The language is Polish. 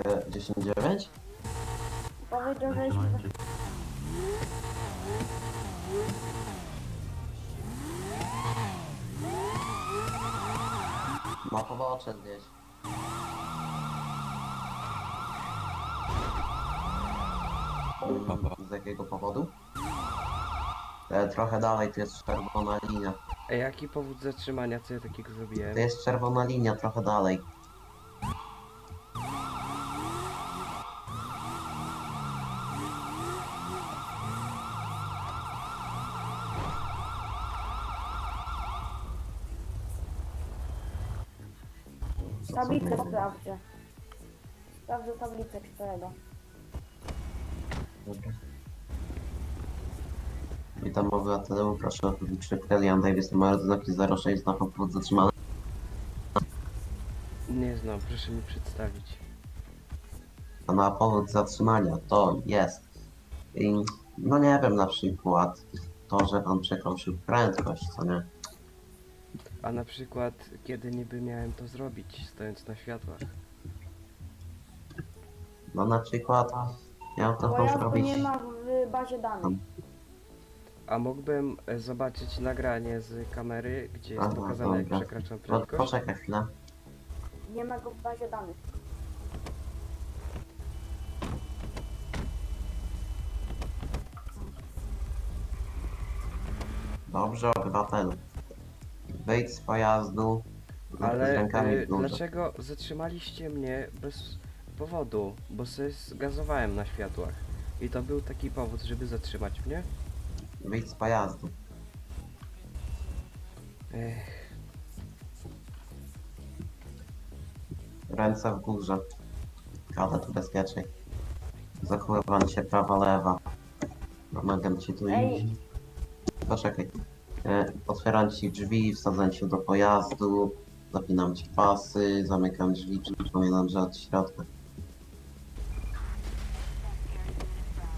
10-9? Powiedział, że Ma pobocze gdzieś. Z jakiego powodu? Trochę dalej, tu jest czerwona linia. A jaki powód zatrzymania, co ja takiego zrobiłem? To jest czerwona linia, trochę dalej. tablicę sprawdzę. Sprawdzę tablicę czterego. Dobra. Witam obywatelu, proszę o publiczny Jan Davis, numer znaki 06, znak powód zatrzymany. Nie znam, proszę mi przedstawić. A na powód zatrzymania to jest, no nie wiem, na przykład to, że pan przekroczył prędkość, co nie? A na przykład, kiedy niby miałem to zrobić, stojąc na światłach? No na przykład miał to Pojazdu zrobić. nie ma w bazie danych. A mógłbym zobaczyć nagranie z kamery, gdzie jest Aha, pokazane, jak dobra. przekraczam prędkość? Poczekaj chwilę. Nie ma go w bazie danych. Dobrze, obywatelu. Wyjdź z pojazdu z Ale rękami w górze. dlaczego zatrzymaliście mnie bez powodu? Bo sobie zgazowałem na światłach. I to był taki powód, żeby zatrzymać mnie? Wyjdź z pojazdu. Ech, Ręce w górze. Kadet ubezpieczeń. Zachowywanie się prawa, lewa. Pomagam ci tu Ej. iść. Poczekaj. Otwieram ci drzwi, wsadzam cię do pojazdu, zapinam ci pasy, zamykam drzwi, przypominam, że od środka.